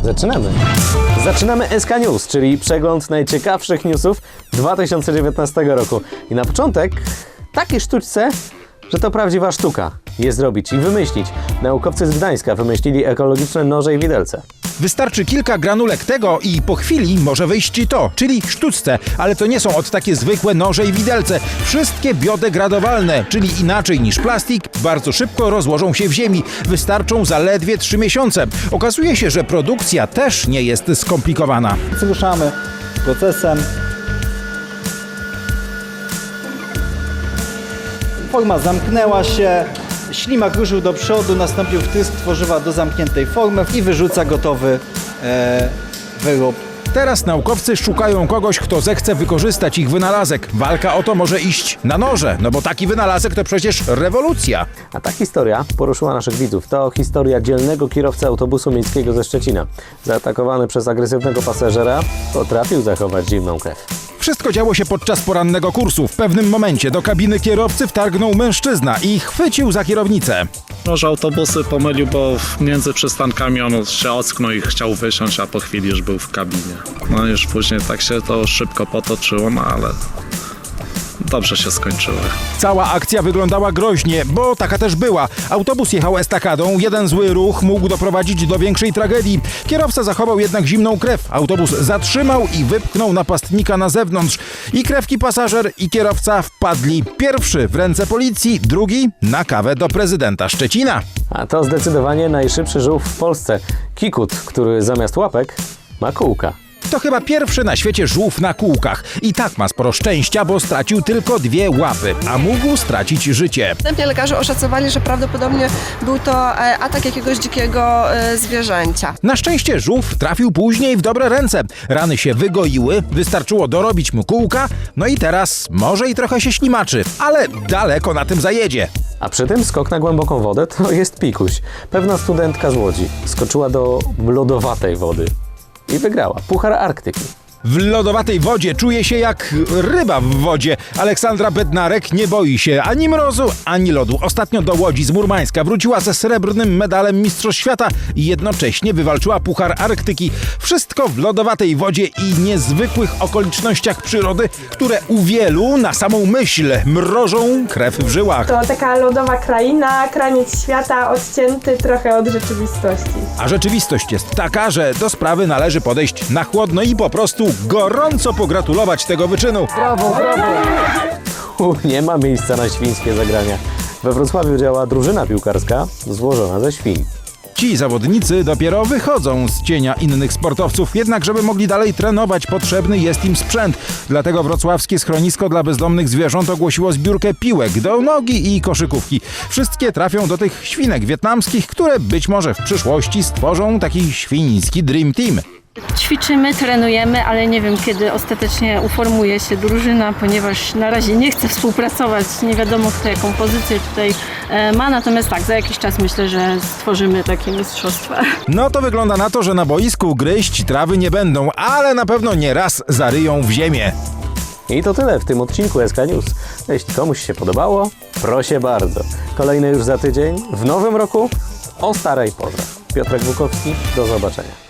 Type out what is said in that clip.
Zaczynamy SK News, czyli przegląd najciekawszych newsów 2019 roku. I na początek takie sztuczce, że to prawdziwa sztuka je zrobić i wymyślić. Naukowcy z Gdańska wymyślili ekologiczne noże i widelce. Wystarczy kilka granulek tego i po chwili może wyjść to, czyli sztuczce, ale to nie są od takie zwykłe noże i widelce. Wszystkie biodegradowalne, czyli inaczej niż plastik, bardzo szybko rozłożą się w ziemi. Wystarczą zaledwie 3 miesiące. Okazuje się, że produkcja też nie jest skomplikowana. Ruszamy procesem. Forma zamknęła się, ślimak ruszył do przodu, nastąpił wtrysk tworzywa do zamkniętej formy i wyrzuca gotowy wyrób. Teraz naukowcy szukają kogoś, kto zechce wykorzystać ich wynalazek. Walka o to może iść na noże, no bo taki wynalazek to przecież rewolucja. A ta historia poruszyła naszych widzów. To historia dzielnego kierowcy autobusu miejskiego ze Szczecina. Zaatakowany przez agresywnego pasażera potrafił zachować zimną krew. Wszystko działo się podczas porannego kursu. W pewnym momencie do kabiny kierowcy wtargnął mężczyzna i chwycił za kierownicę. Może autobusy pomylił, bo między przystankami on się ocknął i chciał wysiąść, a po chwili już był w kabinie. No już później tak się to szybko potoczyło, no ale dobrze się skończyło. Cała akcja wyglądała groźnie, bo taka też była. Autobus jechał estakadą, jeden zły ruch mógł doprowadzić do większej tragedii. Kierowca zachował jednak zimną krew. Autobus zatrzymał i wypchnął napastnika na zewnątrz. I krewki pasażer, i kierowca wpadli. Pierwszy w ręce policji, drugi na kawę do prezydenta Szczecina. A to zdecydowanie najszybszy żółw w Polsce. Kikut, który zamiast łapek ma kółka. To chyba pierwszy na świecie żółw na kółkach. I tak ma sporo szczęścia, bo stracił tylko 2 łapy, a mógł stracić życie. Wstępnie lekarze oszacowali, że prawdopodobnie był to atak jakiegoś dzikiego zwierzęcia. Na szczęście żółw trafił później w dobre ręce. Rany się wygoiły, wystarczyło dorobić mu kółka, no i teraz może i trochę się ślimaczy, ale daleko na tym zajedzie. A przy tym skok na głęboką wodę to jest pikuś. Pewna studentka z Łodzi skoczyła do lodowatej wody i wygrała Puchar Arktyki. W lodowatej wodzie czuje się jak ryba w wodzie. Aleksandra Bednarek nie boi się ani mrozu, ani lodu. Ostatnio do Łodzi z Murmańska wróciła ze srebrnym medalem Mistrzostw Świata i jednocześnie wywalczyła Puchar Arktyki. Wszystko w lodowatej wodzie i niezwykłych okolicznościach przyrody, które u wielu na samą myśl mrożą krew w żyłach. To taka lodowa kraina, kraniec świata odcięty trochę od rzeczywistości. A rzeczywistość jest taka, że do sprawy należy podejść na chłodno i po prostu gorąco pogratulować tego wyczynu. Brawo, brawo! Nie ma miejsca na świńskie zagrania. We Wrocławiu działa drużyna piłkarska złożona ze świń. Ci zawodnicy dopiero wychodzą z cienia innych sportowców, jednak żeby mogli dalej trenować, potrzebny jest im sprzęt. Dlatego wrocławskie schronisko dla bezdomnych zwierząt ogłosiło zbiórkę piłek do nogi i koszykówki. Wszystkie trafią do tych świnek wietnamskich, które być może w przyszłości stworzą taki świński Dream Team. Ćwiczymy, trenujemy, ale nie wiem, kiedy ostatecznie uformuje się drużyna, ponieważ na razie nie chce współpracować. Nie wiadomo, kto jaką pozycję tutaj ma, natomiast tak, za jakiś czas myślę, że stworzymy takie mistrzostwa. No to wygląda na to, że na boisku gryźć trawy nie będą, ale na pewno nie raz zaryją w ziemię. I to tyle w tym odcinku SK News. Jeśli komuś się podobało, proszę bardzo. Kolejny już za tydzień, w nowym roku, o starej porze. Piotrek Bukowski, do zobaczenia.